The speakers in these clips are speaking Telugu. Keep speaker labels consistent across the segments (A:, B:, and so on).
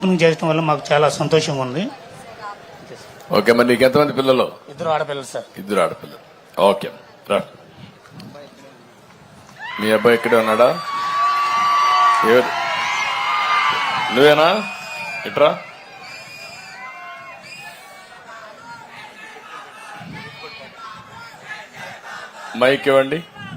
A: చేయడం వల్ల మాకు చాలా సంతోషంగా ఉంది.
B: ఓకే, మరి నీకు ఎంతమంది పిల్లలు?
A: 2 ఆడపిల్లలు సార్.
B: 2 ఆడపిల్లలు. ఓకే రా. మీ అబ్బాయి ఇక్కడే ఉన్నాడా? నువ్వేనా? ఇట్రా. మైక్ ఇవ్వండి.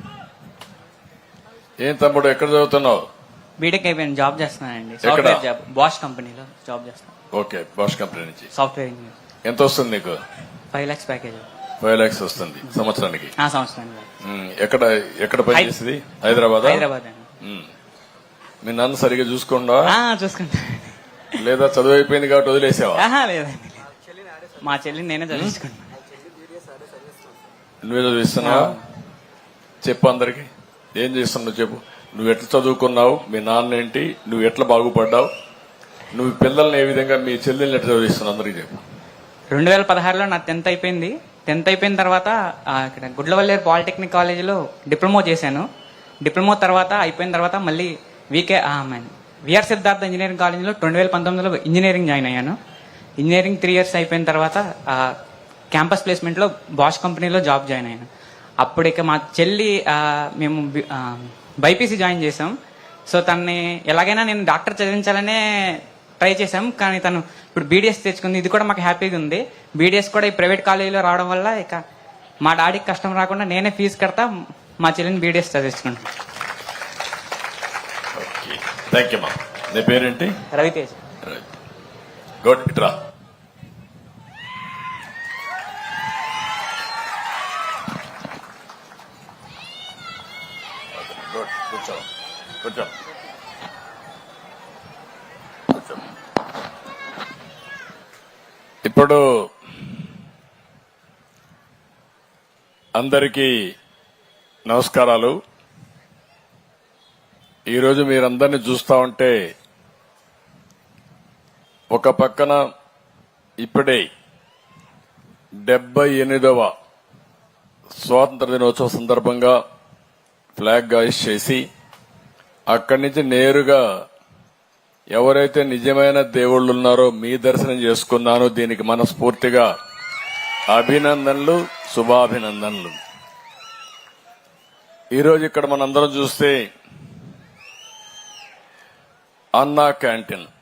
B: ఏం తమ్ముడు, ఎక్కడ చదువుతున్నావు?
C: బీటెక్ అయిపోయింది, జాబ్ చేస్తున్నానండి. సాఫ్ట్వేర్ జాబ్, బాష్ కంపెనీలో జాబ్ చేస్తాను.
B: ఓకే, బాష్ కంపెనీ నుంచి
C: సాఫ్ట్వేర్ ఇంజనీర్.
B: ఎంత వస్తుంది నీకు?
C: 5 lakhs ప్యాకేజ్.
B: 5 lakhs వస్తుంది సంవత్సరానికి.
C: సంవత్సరానికి.
B: ఎక్కడ పని చేసేది? హైదరాబాద్.
C: హైదరాబాద్.
B: మీ నాన్న సరిగా చూసుకోండా?
C: చూసుకుంటా.
B: లేదా చదువు అయిపోయింది కాబట్టి వదిలేసావా?
C: లేదండి, మా చెల్లిని నేనే చదివించుకుంటా.
B: నువ్వే చదివిస్తున్నావా? చెప్పు అందరికి, ఏం చేస్తున్నావు చెప్పు. నువ్వు ఎట్లా చదువుకున్నావు, మీ నాన్న ఏంటి, నువ్వు ఎట్లా బాగుపడ్డావు, నువ్వు పిల్లల్ని ఏ విధంగా, మీ చెల్లెల్ని ఎట్లా చదివిస్తున్నావు అందరికి చెప్పు.
C: 2016లో నా 10th అయిపోయింది. 10th అయిపోయిన తర్వాత ఇక్కడ గుడ్లవల్లేరు పాలిటెక్నిక్ కాలేజీలో డిప్లొమా చేశాను. డిప్లొమా తర్వాత అయిపోయిన తర్వాత మళ్ళీ విఆర్ సిద్ధార్థ ఇంజనీరింగ్ కాలేజీలో 2019లో ఇంజనీరింగ్ జాయిన్ అయ్యాను. ఇంజనీరింగ్ 3 years అయిపోయిన తర్వాత క్యాంపస్ ప్లేస్మెంట్లో బాష్ కంపెనీలో జాబ్ జాయిన్ అయ్యాను. అప్పుడు ఇక మా చెల్లి మేము బైపీసీ జాయిన్ చేసాం. సో తనని ఎలాగైనా నేను డాక్టర్ చదివించాలనే ట్రై చేశాం, కానీ తను ఇప్పుడు బీడీఎస్ తెచ్చుకుంది. ఇది కూడా మాకు హ్యాపీగా ఉంది. బీడీఎస్ కూడా ఈ ప్రైవేట్ కాలేజీలో రావడం వల్ల ఇక మా డాడీకి కష్టం రాకుండా నేనే ఫీజు కడతా, మా చెల్లిని బీడీఎస్ చదివించుకుంటాను.
B: థ్యాంక్ యూ మా. నీ పేరేంటి?
C: రవితేజ్.
B: గుడ్, ఇట్రా. కూర్చో కూర్చో కూర్చో. ఇప్పుడు అందరికీ నమస్కారాలు. ఈరోజు మీరందరినీ చూస్తా ఉంటే ఒక పక్కన ఇప్పుడే 78వ స్వాతంత్ర దినోత్సవ సందర్భంగా ఫ్లాగ్ హాయిస్ట్ చేసి అక్కడి నుంచి నేరుగా ఎవరైతే నిజమైన దేవుళ్ళు ఉన్నారో మీ దర్శనం చేసుకున్నానో దీనికి మనస్ఫూర్తిగా అభినందనలు, శుభాభినందనలు. ఈరోజు ఇక్కడ మనందరం చూస్తే అన్నా క్యాంటీన్